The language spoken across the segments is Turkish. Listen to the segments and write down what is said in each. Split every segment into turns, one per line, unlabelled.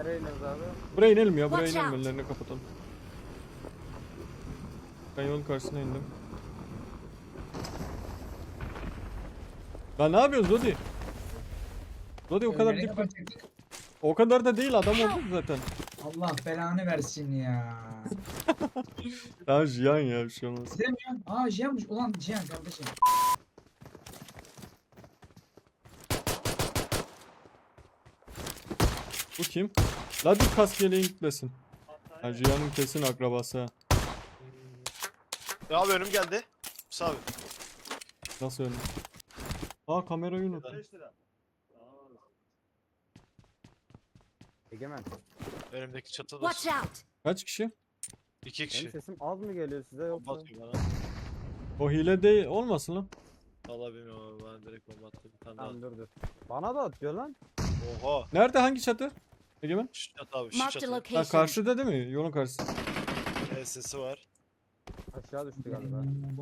Nereye iniyoruz abi?
Buraya inelim ya. Buraya
Watch
inelim.
out.
Ellerini kapatalım. Ben yolun karşısına indim. Lan ne yapıyorsun Zodi? Zodi o kadar
Ölmeni
dip.
kapatacaktık.
O kadar da değil, adam oldu zaten.
Allah belanı versin ya.
Tamam Jiyan ya, bir şey olmaz.
Demiyor. Aa Cihan'mış. Ulan Cihan kardeşim.
Bu kim? La dur, kask yeleğin gitmesin. Ha, Jiyan'ın kesin akrabası ha.
Ya abi önüm geldi. Musa abi.
Nasıl öyle? Aa, kamerayı unuttum.
Egemen.
Önümdeki çatıda.
Watch out!
Kaç kişi?
2
Benim
kişi.
sesim az mı geliyor size yoksa?
Bomba atıyor bana.
O hile değil olmasın lan.
Vallahi bilmiyorum abi, bana direkt bomba attı. Bir tane daha.
Tamam dur. Bana da atıyor lan.
Oha.
Nerede, hangi çatı? Egemen?
Şu çatı abi, şu
Marked a
çatı.
Ha,
location.
karşıda değil mi? Yolun karşısı.
Sesi var.
Aşağı düştü galiba.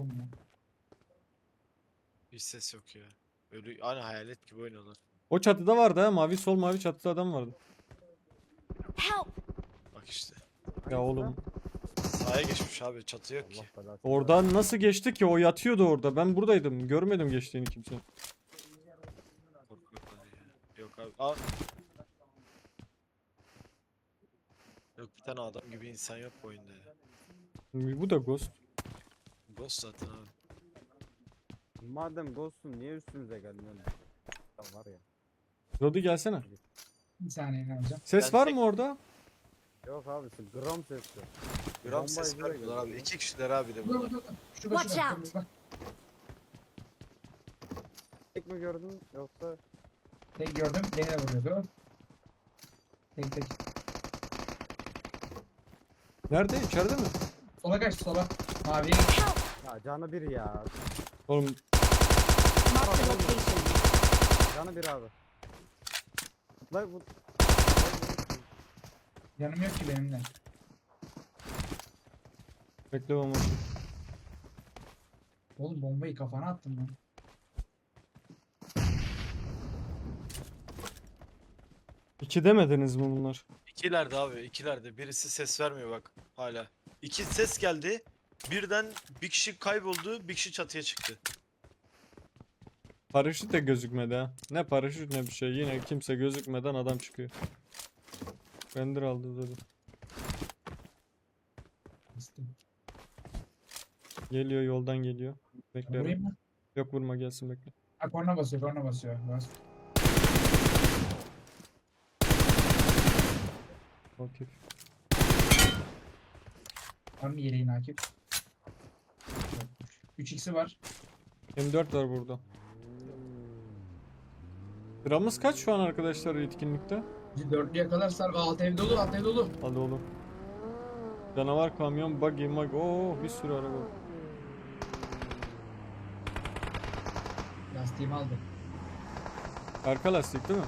Hiç ses yok ya. Öyle aynı hayalet gibi oynuyorlar.
O çatıda vardı ha, mavi sol mavi çatıda adam vardı.
Help!
Bak işte.
Ya oğlum.
Sahaya geçmiş abi, çatı yok ki.
Allah belasını
Oradan nasıl geçti ki? O yatıyordu orada. Ben buradaydım. Görmedim geçtiğini kimse.
Korkuyorlar ya. Yok abi. Aa. Yok, bir tane adam gibi insan yok bu oyunda ya.
Bu da Ghost.
Ghost zaten abi.
versin. Madem ghost'un niye üstümüze geldin öyle? Ya var ya.
Rodi gelsene.
Bir saniye ne yapacağım?
Ses
Ben
var
tek-
mı orada?
Yok abi gram sesli.
Gram
Bomba
ses
izlere
vermiyorlar abi.
geliyor.
2 kişiler abi de
Dur
bunlar.
dur dur. Şurada
Watch
şurada.
out.
Bak.
Tek mi gördün yoksa?
Tek gördüm. Beni de vuruyordu. Tek tek.
Nerede? İçeride mi?
Sola kaç sola. Mavi.
Help!
Ya canı bir ya.
Oğlum
Marked a location.
Canı bir abi. Lan bu.
Yanım yok ki benim de.
bekle bomba.
Oğlum bombayı kafana attım lan.
İki demediniz mi bunlar?
İkilerde abi, ikilerde. Birisi ses vermiyor bak hala. İki ses geldi. Birden bir kişi kayboldu, bir kişi çatıya çıktı.
Paraşüt de gözükmedi ha. Ne paraşüt ne bir şey. Yine kimse gözükmeden adam çıkıyor. Bender aldı dedi.
Bastım.
Geliyor, yoldan geliyor. Bekle.
Vurayım mı?
Yok, vurma, gelsin bekle.
Ha korna basıyor korna basıyor. Bas.
Okey.
Var mı yeleğin Akif? 3x'i var.
M4 var burada. Sıramız kaç şu an arkadaşlar etkinlikte?
Bizi dörtlüye kadar sar. Alt ev dolu alt ev dolu.
Hadi oğlum. Canavar, kamyon, buggy, Oo, bir sürü araba.
Lastiğimi aldı.
Arka lastik değil mi?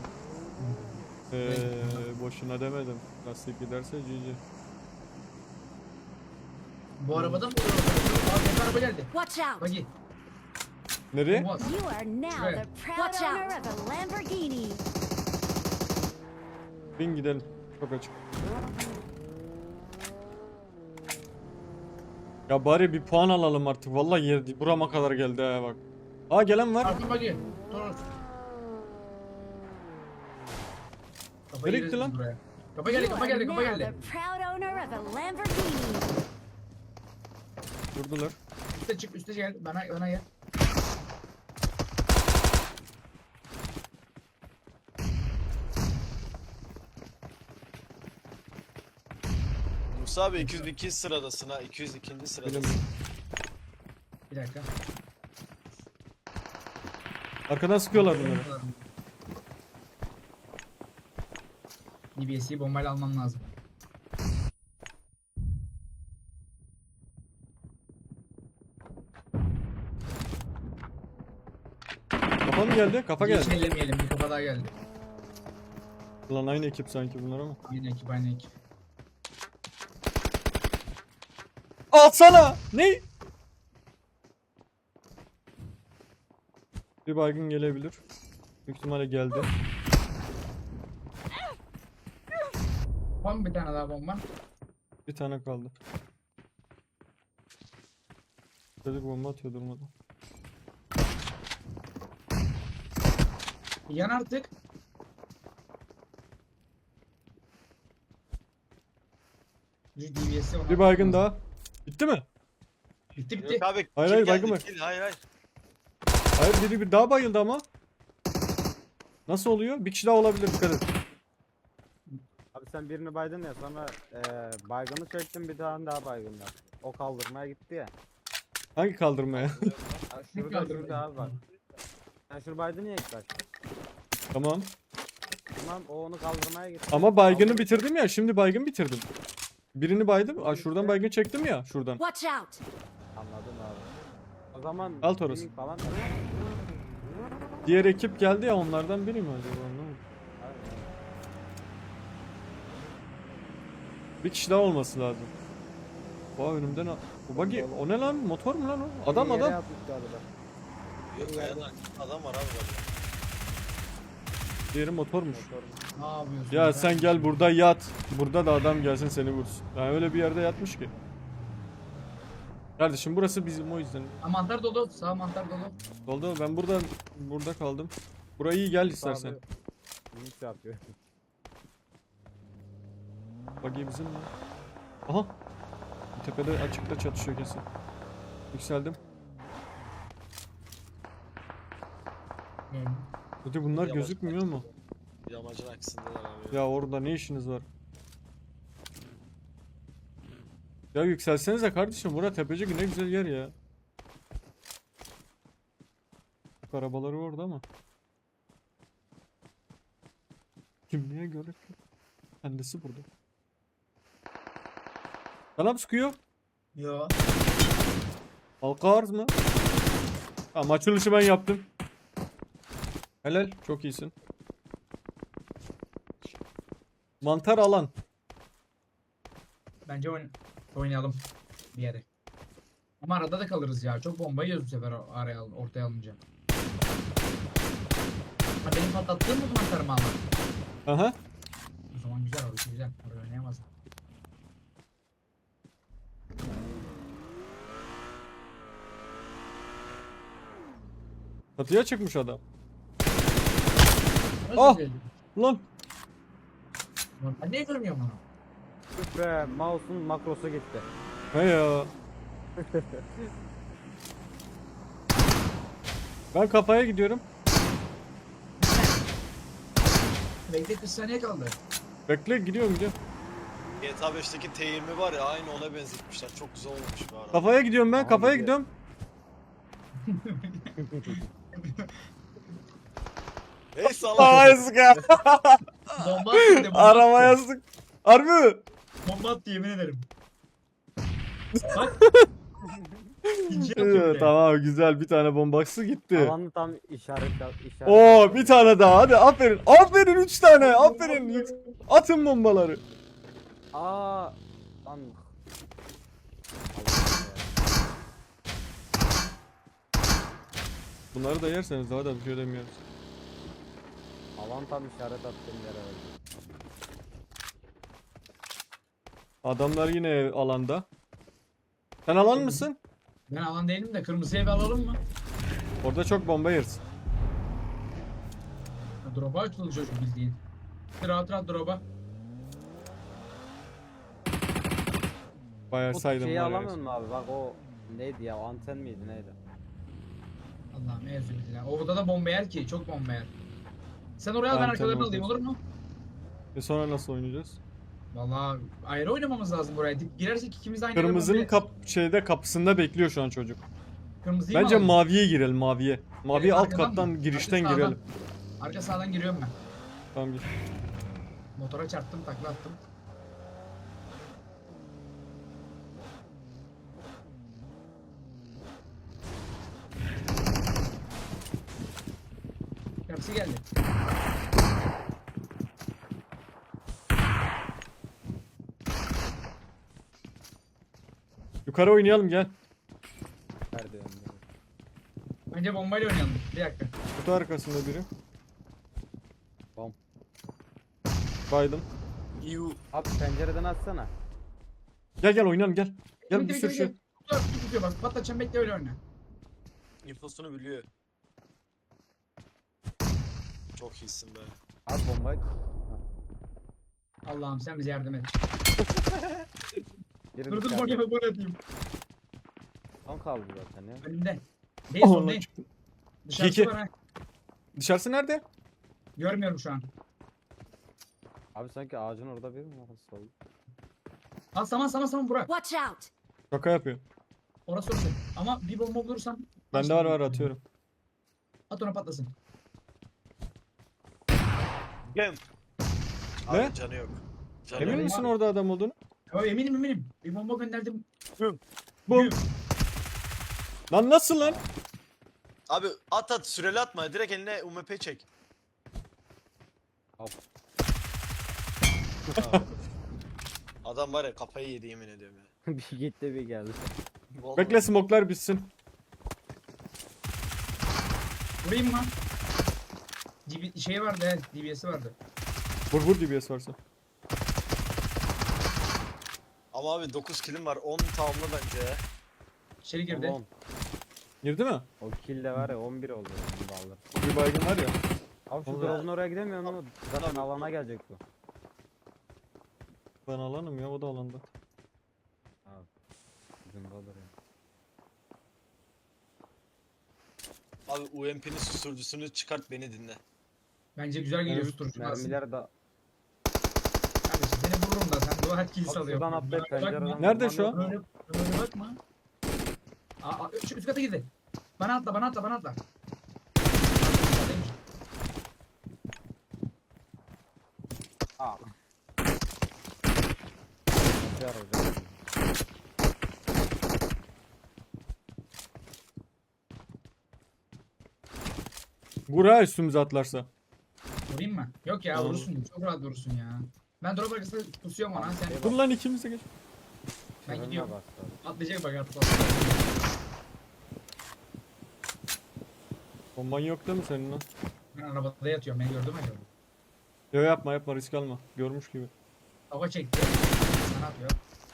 Boşuna demedim. Lastik giderse GG.
Bu arabada mı vuruyor? Abi araba geldi.
Watch out!
Buggy.
Nereye?
Bomba at.
You are now
Şuraya.
the proud owner of a Lamborghini.
Bin gidelim. Çok açık. Ya bari bir puan alalım artık. Vallahi yer burama kadar geldi ha bak. Aa, gelen var.
Arka buggy. Toros. Kafa
Nereye
gireriz
gitti lan?
biz buraya. Kafa geldi
You
kafa
are
geldi kafa
now
geldi.
the proud owner of a Lamborghini.
Vurdular.
Üste çık üste gel. Bana gel.
Musa abi 202 sıradasın ha, 202. sıradasın.
Bilim.
Bir dakika.
Arkadan sıkıyorlar bunları.
DBS'yi bombayla almam lazım.
Kafa mı geldi? Kafa
Hiç
geldi.
ellemeyelim. Bir kafa daha geldi.
Lan aynı ekip sanki bunlar ama.
Aynı ekip aynı ekip.
Alsana! Ne? Bir baygın gelebilir. Büyük ihtimalle geldi.
Var mı bir tane daha bomba?
Bir tane kaldı. Çocuk bomba atıyor durmadan.
Yan artık. Şu DBS'i ona
Bir baygın
atmamız-
daha. Bitti mi?
Bitti bitti.
Yok abi.
Hayır,
kill
hayır,
geldi,
baygın var.
kill. Hayır hayır.
Hayır biri bir daha bayıldı ama. Nasıl oluyor? Bir kişi daha olabilir, dikkat et.
Abi sen birini baydın ya, sonra baygını çektin, bir tane daha baygın var. O kaldırmaya gitti ya.
Hangi kaldırmaya?
Ha, şurada abi bak. Sen şunu baydın ya ilk başta.
Tamam.
Tamam, o onu kaldırmaya gitti.
Ama baygını
Kaldırdı.
bitirdim ya. Şimdi baygın bitirdim. Birini baydım. Aa, şuradan baygın çektim ya. Şuradan.
Watch out!
Anladım abi. O zaman
Al Toros.
gaming falan.
Diğer ekip geldi ya, onlardan biri mi acaba? Anlamadım. Bir kişi daha olması lazım. Vay önümden bu buggy, o ne lan? Motor mu lan o? Adam
Yere
adam.
atmış galiba.
Yok kayanın arkasında adam var abi galiba.
Diğeri motormuş.
Ne yapıyorsun?
Ya sen gel burada yat. Burada da adam gelsin seni vursun. Yani öyle bir yerde yatmış ki. Kardeşim burası bizim, o yüzden.
Ha, mantar dolu. Sağ mantar dolu.
Oldu, ben burada kaldım. Burayı iyi gel istersen.
Abi, Gaming yapıyor.
Buggy bizim mi? Aha. Tepede açıkta çatışıyor kesin. Yükseldim. Hadi bunlar
Yamacın
gözükmüyor mu?
arkasında. Yamacın arkasındalar abi.
Ya orada ne işiniz var? Ya yükselsenize kardeşim, bura tepecik ne güzel yer ya. Arabaları orada ama. Kimliğe göre kendisi burada. Kanam sıkıyor.
Yo.
Halka arz mı? Tamam, açılışı ben yaptım. Helal, çok iyisin. Mantar alan.
Bence oynayalım bir yere. Ama arada da kalırız ya. Çok bomba yiyoruz bu sefer araya ortaya alınca. Ha, benim patlattığım mı mantarımı ama?
Aha.
O zaman güzel, orası güzel. Oraya oynayamaz.
Çatıya çıkmış adam.
Nasıl
Ah!
güzel?
Lan.
Ben niye görmüyorum onu?
Üf be, mouse'un makrosu gitti.
He ya. Ben kafaya gidiyorum.
Bekle 40 saniye kaldı.
Bekle, gidiyorum.
GTA 5'teki T20 var ya, aynı ona benzetmişler. Çok güzel olmuş bu arada.
Kafaya gidiyorum ben,
Abi
kafaya
ya.
gidiyorum.
Hey salak.
Ay sıka.
Bomba attı, bomba
Arabaya
attı.
sık. Harbi mi?
Bomba attı, yemin ederim. Bak. İkinci
Evet,
atıyor bile.
tamam güzel, bir tane bombası gitti.
Alanı tam işaret.
Oo, bir tane daha, hadi aferin. Aferin, 3 tane, aferin. Atın bombaları.
Aa. Lan.
Bunları da yerseniz daha da bir şey demiyoruz.
Alan tam işaret attığım yere öldü.
Adamlar yine alanda. Sen alan mısın?
Ben alan değilim de kırmızı ev alalım mı?
Orada çok bomba yersin.
Drop'a açıldı çocuk bildiğin. Rahat rahat drop'a.
Bayağı
Bu
saydım
şeyi
var
alamıyor
ya.
musun abi? Bak o neydi ya? O anten miydi neydi?
Allah'ım ezbillah. Orada da bomba yer ki, çok bomba yer. Sen oraya al, ben
Anten
arkalarını alayım,
olacak.
olur mu?
Sonra nasıl oynayacağız?
Vallahi ayrı oynamamız lazım buraya. Girersek ikimiz de aynı
Kırmızının
bombayı-
kapısında bekliyor şu an çocuk.
Kırmızıyı mı
Bence
alalım?
maviye girelim, maviye. Maviye alt
arkadan
kattan
mı?
girişten
Arka
girelim.
sağdan. Arka sağdan giriyorum ben.
Tamam gir.
Motora çarptım, takla attım. Hepsi geldi.
Yukarı oynayalım, gel.
Nerede önde?
Önce bombayla oynayalım. Bir dakika.
Kutu arkasında biri.
Bom.
Baydım.
İyu.
Abi pencereden atsana.
Gel gel oynayalım gel. Gel bir
Bekle,
sürü
bekle,
şey.
bekle. Tutuyor bak. Patlatacağım, bekle, öyle oyna.
İnfosunu biliyor. Çok iyisin be.
At bombayı.
Allah'ım sen bize yardım et.
Biri
Dur dur,
dışarıda.
gol atayım.
Son kaldı zaten ya.
Önümde. Değil,
Allah
son değil.
çıktı.
Dışarısı
İki.
var ha.
Dışarısı nerede?
Görmüyorum şu an.
Abi sanki ağacın orada biri mi var? Sol.
Al, saman Burak.
Watch out!
Şaka yapıyor.
Orası. Ama bir bomba bulursam
Bende var atıyorum.
at, ona patlasın.
Gem.
Ne?
Abi canı yok. Canı
Emin
yok.
misin orada adam olduğunu?
Ya, eminim. Bir bomba gönderdim.
Bum. Lan nasıl lan?
Abi at süreli atma. Direkt eline UMP çek. Adam var ya kafayı yedi yemin ediyorum ya.
Bir gitti bir geldi.
Vallahi.
Bekle smoklar bitsin.
Vurayım mı? Şey vardı, evet, DBS'i vardı.
Vur DBS varsa.
Ama abi 9 killim var. 10 tamamla bence ya.
İçeri girdi.
Oğlum,
Girdi mi?
o kill de var ya 11 oldu. Onu da alır.
Bir baygın var ya.
Abi şu
Oğlum.
drop'un oraya gidemiyor mu? Zaten alana gelecek bu.
Ben alanım ya o da alanda.
Ucundadır ya.
Abi UMP'nin susturucusunu çıkart beni dinle.
Bence güzel geliyor
Mermi-
tuturucu.
Mermiler de
Kardeşim seni vururum da sen dua et kill
Abi
salıyor.
şuradan atlayıp pencereden
Nerede
vurman
şu
yok
an?
mu?
Öyle bakma. Şu üst kata girdi. Bana atla.
Aa. Nasıl arayacağım?
Vur ha üstümüze atlarsa.
Vurayım mı? Yok ya,
Tamam.
vurursun. Çok rahat vurursun ya. Ben drop arkasında pusuyorum ona. Sen
Dur lan ikimize geç.
ben
Fırına
gidiyorum.
bastı abi.
Atlayacak bak, atla.
Bomban yok değil mi senin lan?
Ben arabada yatıyorum. Beni gördün mü acaba?
Yo yapma risk alma. Görmüş gibi.
Hava çekti. Sana atıyor.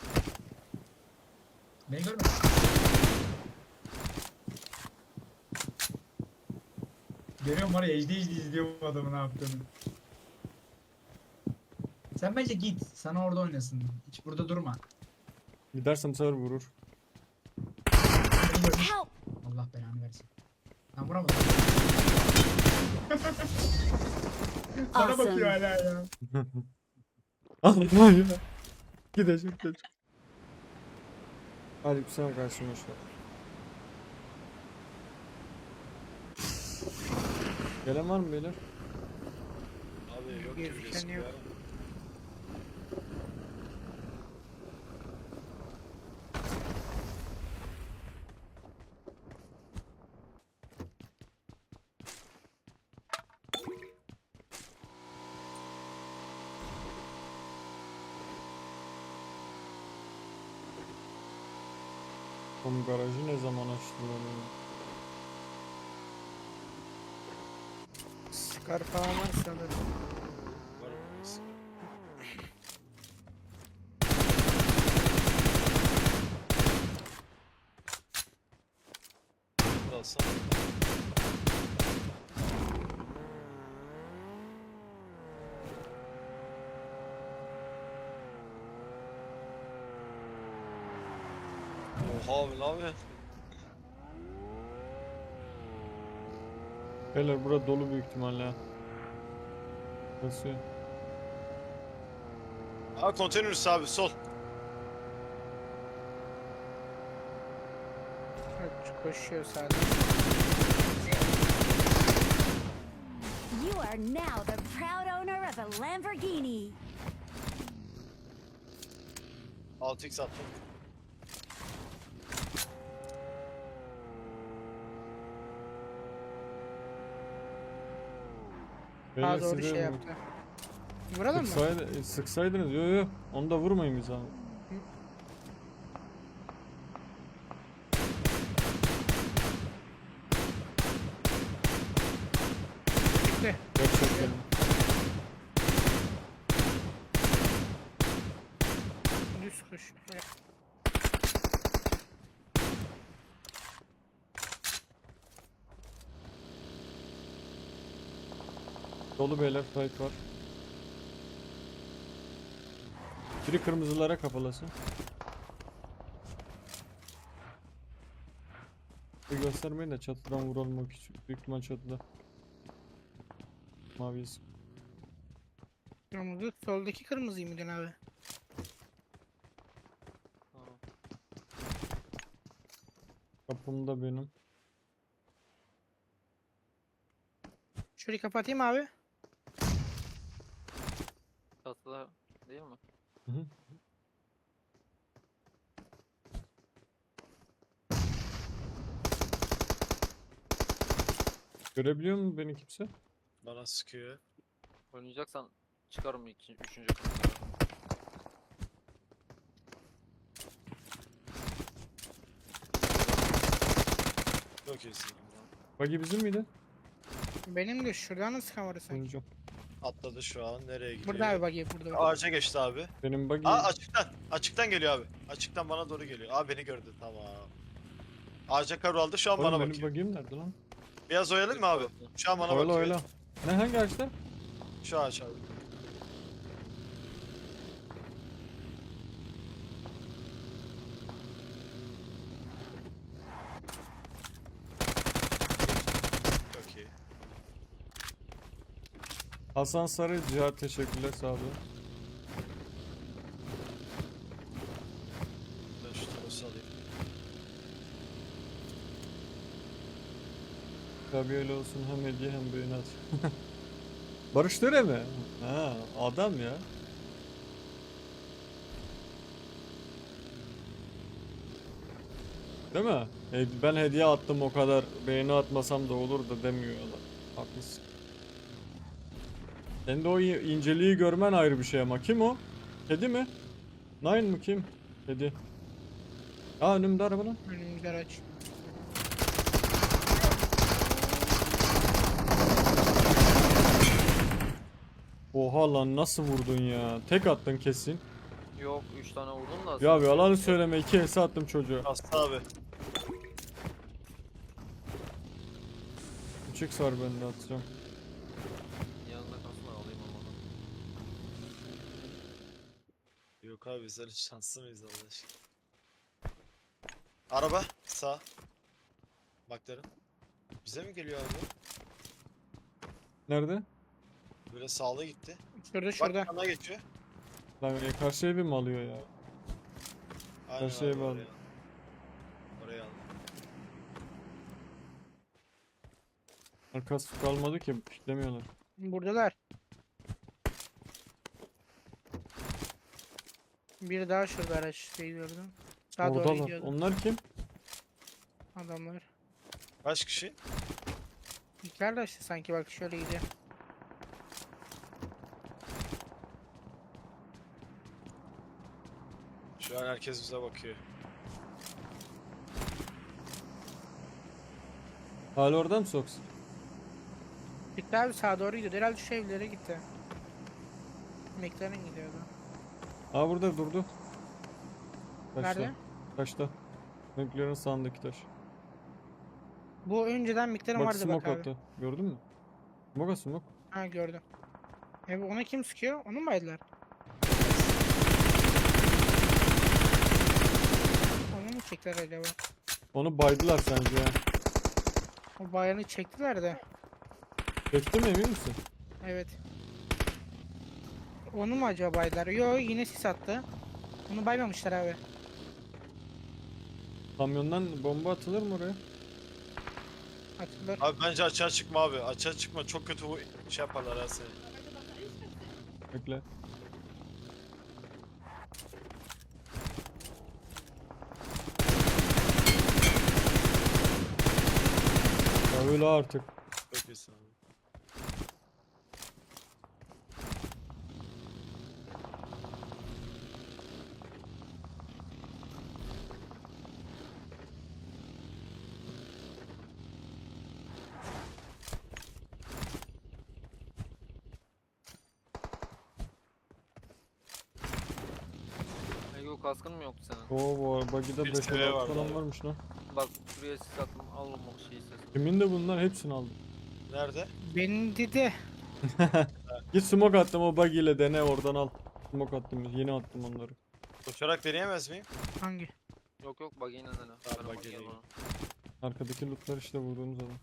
Beni görmedin. Görüyorum var ya, ejdi izliyorum adamı ne yaptığını. Sen bence git. Sana orada oynasın. Hiç burada durma.
Gidersen bu sefer vurur.
Beni gördün.
Help!
Allah belanı versin. Ben vuramadım. Bana bakıyor
Awesome.
hala ya.
Allah ya. Gidecek. Hadi sen karşıma şu. Gelen var mı beyler?
Abi yok
Gözüken
gibi gözüküyor.
yok.
Oğlum garajı ne zaman açtılar ya?
Scar falan var sanırım.
Var mı? Alsana. Oha abi ne yapıyorsun?
Beyler bura dolu büyük ihtimalle ha. Basıyor.
Aa konteyner üstü abi sol.
Evet, koşuyor sadece.
You are now the proud owner of a Lamborghini.
6x attım.
Beyler
Ha doğru
size
şey yaptı. Vuralım mı?
Sıksaydınız. Yo. Onu da vurmayın biz abi.
Gitti.
Gerçekten.
Koş.
Dolu beyler, fight var. Biri kırmızılara kapalasın. Bir göstermeyin de çatıdan vuralım o küçük. Büyük ihtimal çatıda. Maviyiz.
Kırmızı. Soldaki kırmızıyı mıydın abi?
Kapımda benim.
Şurayı kapatayım abi.
Çatıda değil mi?
Hı hı. Görebiliyor mu beni kimse?
Bana sıkıyor.
Oynayacaksan çıkarım üçüncü kısımda.
Çok iyisin.
Buggy bizim miydi?
Benim de şuradan nasıl kamerası sanki?
Sonucu.
Atladı şu an. Nereye gidiyor?
Burada abi bak ya burada.
Ağaca geçti abi.
Benim buggy.
Aa açıktan. Açıktan geliyor abi. Açıktan bana doğru geliyor. Abi beni gördü. Tamam. Ağaca kavraldı. Şu an
Oğlum
bana
benim
bakıyor.
buggy'm nerede lan?
Biraz oyalayayım mı abi? Şu an bana
Oyla
bakıyor.
oyla. Ne hangi ağaçta?
Şu ağaç abi. Çok iyi.
Hasan Sarı Cihat teşekkürler sağ olun.
Ben şu tarafa alayım.
Tabii öyle olsun, hem hediye hem beğeni at. Barış Tere mi? Ha, adam ya. Değil mi? Ben hediye attım, o kadar beğeni atmasam da olur da demiyor adam. Haklısın. Sen de o inceliği görmen ayrı bir şey ama. Kim o? Kedi mi? Nine mı kim? Kedi. Aa, önümde araba lan.
Önümüzde araç.
Oha lan, nasıl vurdun ya? Tek attın kesin.
Yok 3 tane vurdum da.
Ya bir yalan söyleme, 2 HS attım çocuğa.
Hasta abi.
3x var bende, atacağım.
Yanında kalsın da alayım ama.
Yok abi biz öyle şanslı mıyız Allah aşkına? Araba sağ. Bakların. Bize mi geliyor abi?
Nerede?
Böyle sağlı gitti.
Şurada.
Bak yana geçiyor.
Lan karşı evi mi alıyor ya?
Aynen
şeye
abi,
bağlı.
oraya. Oraya al.
Arkası kalmadı ki, piklemiyorlar.
Buradalar. Bir daha şurada araç şey gördüm. Sağa doğru
Oradalar.
gidiyordu
Onlar kim?
adamlar.
Kaç kişi?
İlkler de işte sanki bak şöyle gidiyor.
Şu an herkes bize bakıyor.
Hala orada mı Sox?
Gitti abi sağa doğru gidiyordu. Herhalde şu evlere gitti. McLaren gidiyordu.
Aa, burada durdu. Taşta.
Nerede?
Taşta. McLaren sağındaki taş.
Bu önceden McLaren
Bak
vardı bak
smoke
abi.
attı. Gördün mü? Smoke smoke.
Ha gördüm. Ona kim sıkıyor? Onu mu baydılar? Onu mu çektiler acaba?
Onu baydılar sence ya.
O bayanı çektiler de.
Çekti mi, emin misin?
Evet. Onu mu acaba baydılar? Yo yine sis attı. Onu baymamışlar abi.
Kamyondan bomba atılır mı oraya?
Atılır.
Abi bence açığa çıkma abi. Açığa çıkma. Çok kötü bu şey yaparlar ha seni.
Bekle. Ya öyle artık.
Çok iyisin abi.
Yok kaskın mı yoktu senin?
Oo, bagide
Bir
5
seviye vardı
falan
abi.
varmış lan.
Bak şuraya sis attım. Al o şeyi sesini.
Kimin de bunlar? Hepsini aldım.
Nerede?
Benim dedi.
Git smoke attım o bug ile dene oradan al. Smoke attım yeni attım onları.
Uçarak deneyemez miyim?
Hangi?
Yok yok bak yine dene.
Tamam,
Ben
bak
bakayım
yine.
ona.
Arkadaki lootlar işte vurduğumuz adam.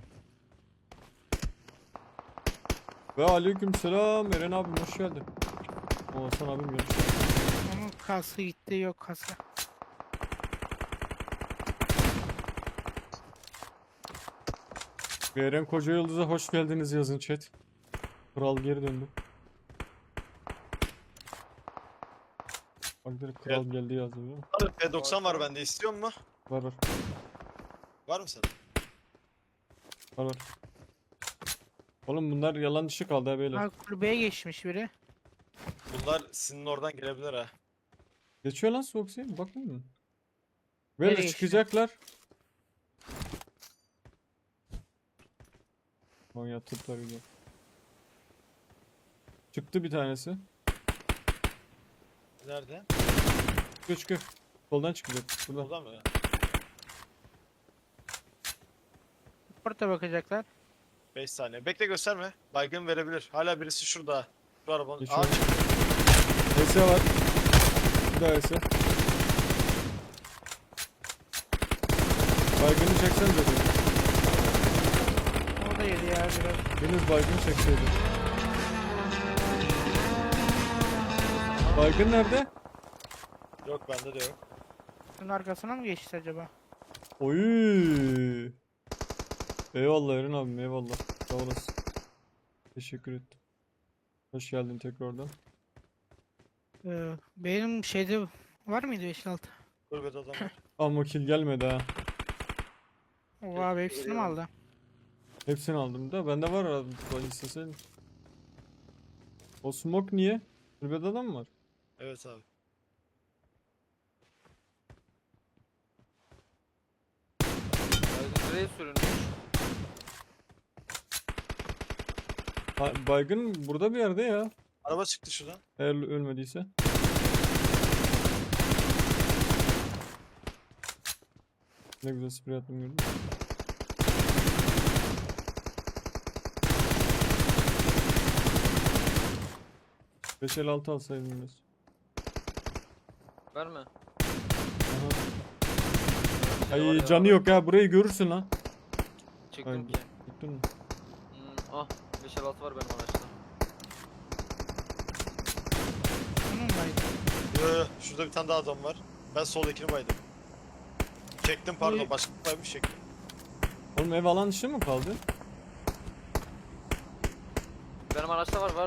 Ve aleykümselam Eren abim hoş geldin. O Hasan abim gelmiş.
Onun kası gitti, yok kasa.
Ve Eren Koca Yıldız'a hoş geldiniz yazın chat. Kral geri döndü. Bak direkt kral geldi yazdı değil mi?
P90 var bende, istiyor musun?
Var var
Var mı sende?
var var. Oğlum bunlar yalan dışı kaldı ha beyler.
Ha, kulübeye geçmiş biri.
Bunlar sizin oradan gelebilir ha.
Geçiyor lan Soxy bakmıyor musun?
Nereye
Böyle
geçiyor?
çıkacaklar. Manyak tutlar gidiyor. Çıktı bir tanesi.
Nerede?
Çıkıyor çıkıyor. Soldan çıkacak. Buradan.
Burada mı?
Orta bakacaklar.
5 saniye. Bekle, gösterme. Baygın verebilir. Hala birisi şurada. Şu arabanın.
Geçiyor.
Aa,
ES var. Bir daha ES. Baygını çeksen dedim.
O da yedi ya biraz.
Deniz baygını çekseydi. Baygın nerede?
yok bende de yok.
Bunun arkasına mı geçti acaba?
Oy. Eyvallah Eren abim eyvallah. Sağ olasın. Teşekkür ettim. Hoş geldin tekrardan.
Benim şeyde var mıydı 5-6?
Kulübede adam var.
Ama kill gelmedi ha.
O abi hepsini mi aldı?
Hepsini aldım da bende var abi. Ben isteseydin. O smoke niye? Kulübede adam mı var?
Evet abi.
Baygın nereye sürünmüş?
Baygın burada bir yerde ya.
Araba çıktı şuradan.
Eğer ölmediyse. Ne güzel sprey attım gördün mü? Beş el altı alsaydım biraz.
Verme.
Aha.
Şey var
Ay
ya,
canı yok ya burayı görürsün lan.
Çıktım
Aynen.
ki.
Tuttun mu?
Ah 556 var benim araçta.
Onun muydu?
Yo, şurada bir tane daha adam var. Ben soldakini baydım. Çektim pardon,
İyi.
başka bir baymış çektim.
Oğlum ev alan dışı mı kaldı?
Benim araçta var.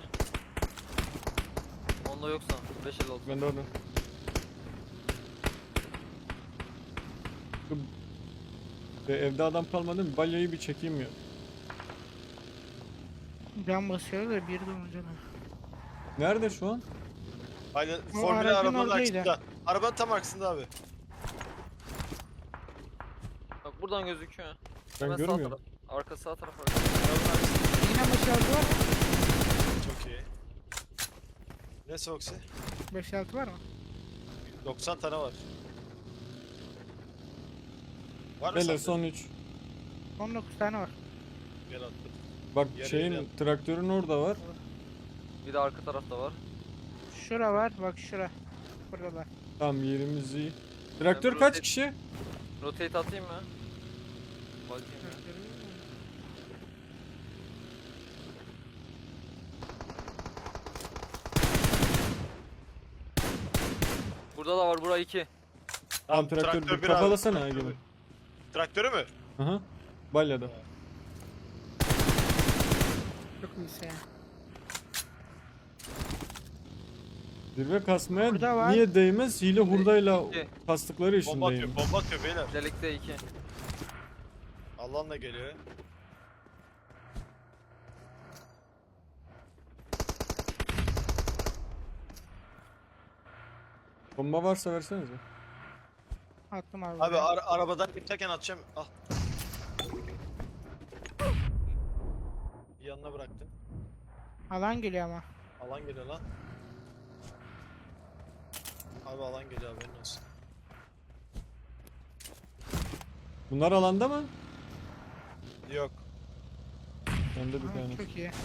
Onda yoksa 556.
Ben de orada. Evde adam kalmadı mı? Balyayı bir çekeyim ya.
Can basıyor da bir de olunca da.
Nerede şu an?
Aynen,
O
Formula
aracın
arabanın
oradaydı.
arkasında. Arabanın tam arkasında abi.
Bak buradan gözüküyor.
Ben
Hemen sağ
görmüyorum.
taraf. Arka sağ taraf.
Arabanın arkasında.
Yine 5-6 var mı?
Çok iyi. Ne Soxy?
5-6 var mı?
90 tane var. Var mı
Beyler
sende?
son 3.
19 tane var.
Gel attım.
Bak
Yarı
şeyin
yarı.
traktörün orada var.
Bir de arka tarafta var.
Şura var, bak şura. Buradalar.
Tamam yerimiz iyi. Traktör
Ben
kaç
rotate-
kişi?
Rotate atayım mı? Bakayım ya. Burada da var, bura 2.
Tamam traktör bir
bir abi,
kapalasana
traktörü.
Egemen.
Traktörü mü?
Aha. Balyada.
Çok iyisi ya.
Zirve kasmaya
Burada var.
niye değmez? Hile hurdayla
İki.
kastıkları için
Bomba atıyor,
değmiyor.
bomba atıyor beyler.
Delikte 2.
Allah'ın da geliyor.
Bomba varsa versenize.
Attım abi.
Abi
buraya.
arabadan geçerken atacağım. Al. Yanına bıraktım.
Alan geliyor ama.
Alan geliyor lan. Abi alan geliyor haberin olsun.
Bunlar alanda mı?
Yok.
Bende bir
Aa,
tane.
çok iyi.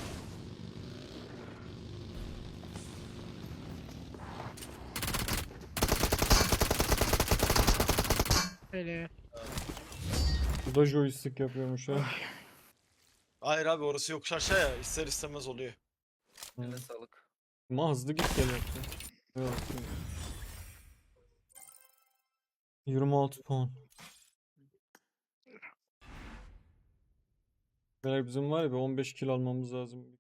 Öyle.
Bu da joystick yapıyormuş ha.
Hayır abi orası yokuş aşağı ya ister istemez oluyor.
Eline sağlık.
Ama hızlı git gel yaptı. Evet. 26 puan. Beyler bizim var ya bir 15 kill almamız lazım.